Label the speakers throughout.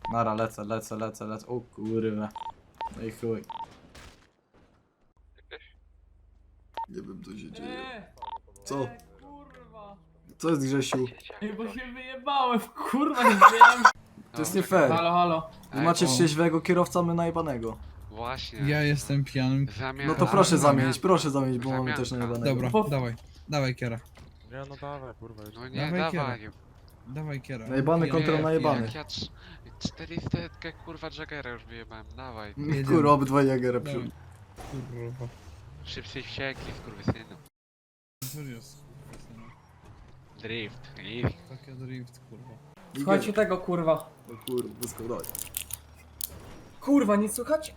Speaker 1: Nara, lecę. O kurwa. No i chuj. Nie wiem co się dzieje. Co?
Speaker 2: Kurwa.
Speaker 1: Co jest Grzesiu?
Speaker 2: Ej, bo się wyjebałem, kurwa, nie wyjebałem.
Speaker 1: To jest nie fair.
Speaker 2: Halo, halo.
Speaker 1: Wy macie trzeźwego kierowca, my najebanego.
Speaker 3: Właśnie.
Speaker 4: Ja jestem pijanym.
Speaker 3: Zamian...
Speaker 1: No to proszę zamienić, bo mamy też
Speaker 3: Zamianka.
Speaker 1: najebanego.
Speaker 4: Dobra, dawaj kiera.
Speaker 5: Nie no dawaj, kurwa.
Speaker 3: No nie,
Speaker 4: Dawaj
Speaker 3: dawaj.
Speaker 4: Dawaj kiera.
Speaker 1: Najebany kontra
Speaker 4: Nie,
Speaker 1: najebany.
Speaker 3: Jak ja 400 kurwa Jaggera już wyjebałem, dawaj.
Speaker 1: Kurwa, obydwaj Jagera
Speaker 4: Dawaj.
Speaker 1: przy...
Speaker 4: Kurwa.
Speaker 3: Szybciej wsiekli, skurwysynu.
Speaker 4: Co jest?
Speaker 3: Drift, easy.
Speaker 4: Takie drift, kurwa.
Speaker 2: Słuchajcie tego, kurwa.
Speaker 1: O kurwa, wyskładaj.
Speaker 2: Kurwa, nie słychać?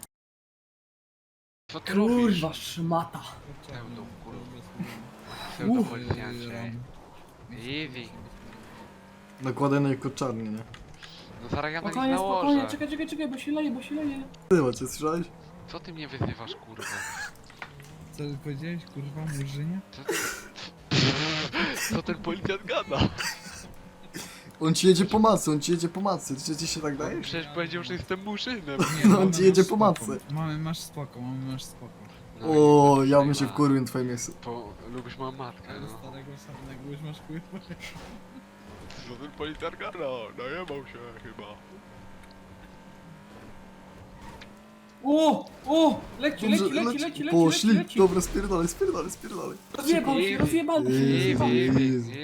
Speaker 3: Co ty robisz?
Speaker 2: Kurwa, szmata.
Speaker 3: Pseudo, kurwa. Pseudo policjancie. Easy.
Speaker 1: Nakładaj na jego czarnie, nie?
Speaker 3: No zaraz ja na nich
Speaker 2: Spokojnie, spokojnie,
Speaker 3: nałożę.
Speaker 2: czekaj, bo się leje.
Speaker 1: Ty macie, słyszałeś?
Speaker 3: Co ty mnie wyzywasz, kurwa?
Speaker 4: Co powiedziałeś, kurwa, murzynie?
Speaker 3: Co ty... Co ten policjant gada?
Speaker 1: On ci jedzie po macy, Czy ci się tak daje?
Speaker 3: Przecież powiedział, że jestem murzynem.
Speaker 1: No,
Speaker 4: mamy,
Speaker 1: on ci jedzie
Speaker 4: masz
Speaker 1: po
Speaker 4: spoko.
Speaker 1: matce.
Speaker 4: Masz spoko.
Speaker 3: No
Speaker 1: O,
Speaker 3: i
Speaker 1: ja
Speaker 3: tutaj
Speaker 1: bym się
Speaker 3: ma.
Speaker 1: wkurwił na twoje miejsce.
Speaker 3: Bo lubisz moją matkę,
Speaker 4: Ale
Speaker 3: no.
Speaker 4: starego samego już masz kurwa.
Speaker 3: Co ten policjant gada? Najebał się chyba.
Speaker 2: O, leci.
Speaker 1: Poszli, dobra, spierdalaj.
Speaker 2: Rozjebał się.
Speaker 3: Easy, easy, easy.